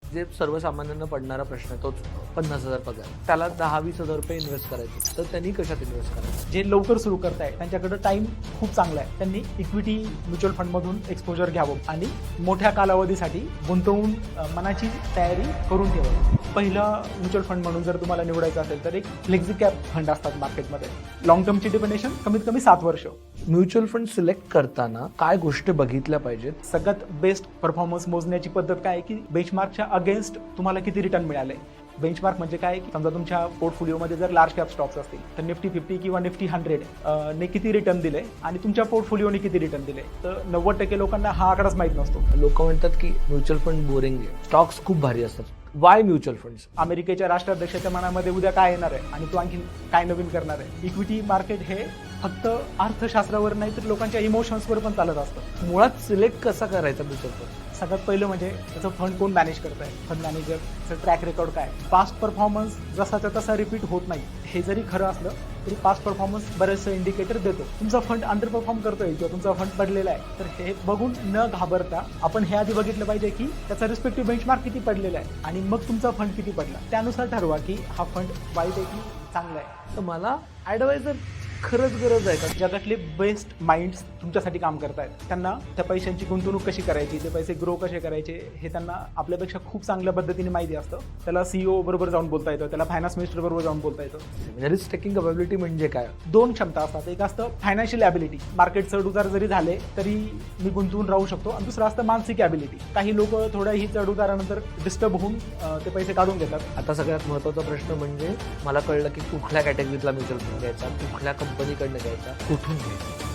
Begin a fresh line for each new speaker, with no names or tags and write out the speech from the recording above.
जे सर्वसामान्यांना पडणारा प्रश्न आहे तोच 50,000 पगार, त्याला 10-20 हजार रुपये इन्व्हेस्ट करायचे, तर त्यांनी कशात इन्व्हेस्ट करायचं?
जे लवकर सुरू करताय त्यांच्याकडे टाइम खूप चांगला आहे, त्यांनी इक्विटी म्युच्युअल फंडमधून एक्सपोजर घ्यावं आणि मोठ्या कालावधीसाठी गुंतवून मनाची तयारी करून ठेवावी. पहिलं म्युच्युअल फंड म्हणून जर तुम्हाला निवडायचं असेल तर एक फ्लेक्झी कॅप फंड असतात मार्केटमध्ये. लॉंग टर्मची डिपेंडेशन कमीत कमी 7 वर्ष.
म्युच्युअल फंड सिलेक्ट करताना काय गोष्टी बघितल्या पाहिजेत?
सगळ्यात बेस्ट परफॉर्मन्स मोजण्याची पद्धत काय आहे की बेंचमार्कच्या अगेन्स्ट तुम्हाला किती रिटर्न मिळाले. बेंचमार्क म्हणजे काय की समजा तुमच्या पोर्टफोलिओमध्ये जर लार्ज कॅप स्टॉक्स असतील तर निफ्टी 50 किंवा निफ्टी 100 ने किती रिटर्न दिले आणि तुमच्या पोर्टफोलिओने किती रिटर्न दिले. तर 90% लोकांना हा आकडाच माहीत नसतो.
लोक म्हणतात की म्युच्युअल फंड बोरिंग आहे, स्टॉक्स खूप भारी असतात. Why mutual funds?
अमेरिकेच्या राष्ट्राध्यक्षाच्या मनामध्ये उद्या काय येणार आहे आणि तो आणखी काय नवीन करणार आहे. इक्विटी मार्केट हे फक्त अर्थशास्त्रावर नाही तर लोकांच्या इमोशन्सवर पण चालत असतं.
मुळात सिलेक्ट कसा करायचा म्युच्युअल फंड?
सगळ्यात पहिलं म्हणजे त्याचं फंड कोण मॅनेज करत आहे, फंड मॅनेजरचं ट्रॅक रेकॉर्ड काय, पास्ट परफॉर्मन्स जसाच्या तसा रिपीट होत नाही. हे जरी खरं असलं तरी पास्ट परफॉर्मन्स बरेचसे इंडिकेटर देतो. तुमचा फंड अंडर परफॉर्म करतोय किंवा तुमचा फंड पडलेला आहे तर हे बघून न घाबरता आपण हे आधी बघितलं पाहिजे की त्याचा रिस्पेक्टिव्ह बेंचमार्क किती पडलेला आहे आणि मग तुमचा फंड किती पडला. त्यानुसार ठरवा की हा फंड वाईट आहे की चांगला आहे.
तर मला ॲडवायझर खरंच गरज आहे का?
जगातले बेस्ट माइंड्स तुमच्यासाठी काम करतायत. त्यांना त्या पैशांची गुंतवणूक कशी करायची, ते पैसे ग्रो कसे करायचे हे त्यांना आपल्यापेक्षा खूप चांगल्या पद्धतीने माहिती असतं. त्याला CEO बरोबर जाऊन बोलता येतं, त्याला फायनान्स मिनिस्टर बरोबर जाऊन बोलता येतं.
रिस्क टेकिंग कॅपेबिलिटी म्हणजे काय?
2 क्षमता असतात. एक असतं फायनान्शियल ॲबिलिटी, मार्केट चढउतार जरी झाले तरी मी गुंतवून राहू शकतो. आणि दुसरं असतं मानसिक ॲबिलिटी. काही लोक थोड्याही चढउतारानंतर डिस्टर्ब होऊन ते पैसे काढून घेतात.
आता सगळ्यात महत्त्वाचा प्रश्न म्हणजे मला कळलं की कुठल्या कॅटेगरीतला म्युच्युअल फंड घ्यायचा, कुठल्या कंपनीकडनं घ्यायचा, कुठून घ्यायचा.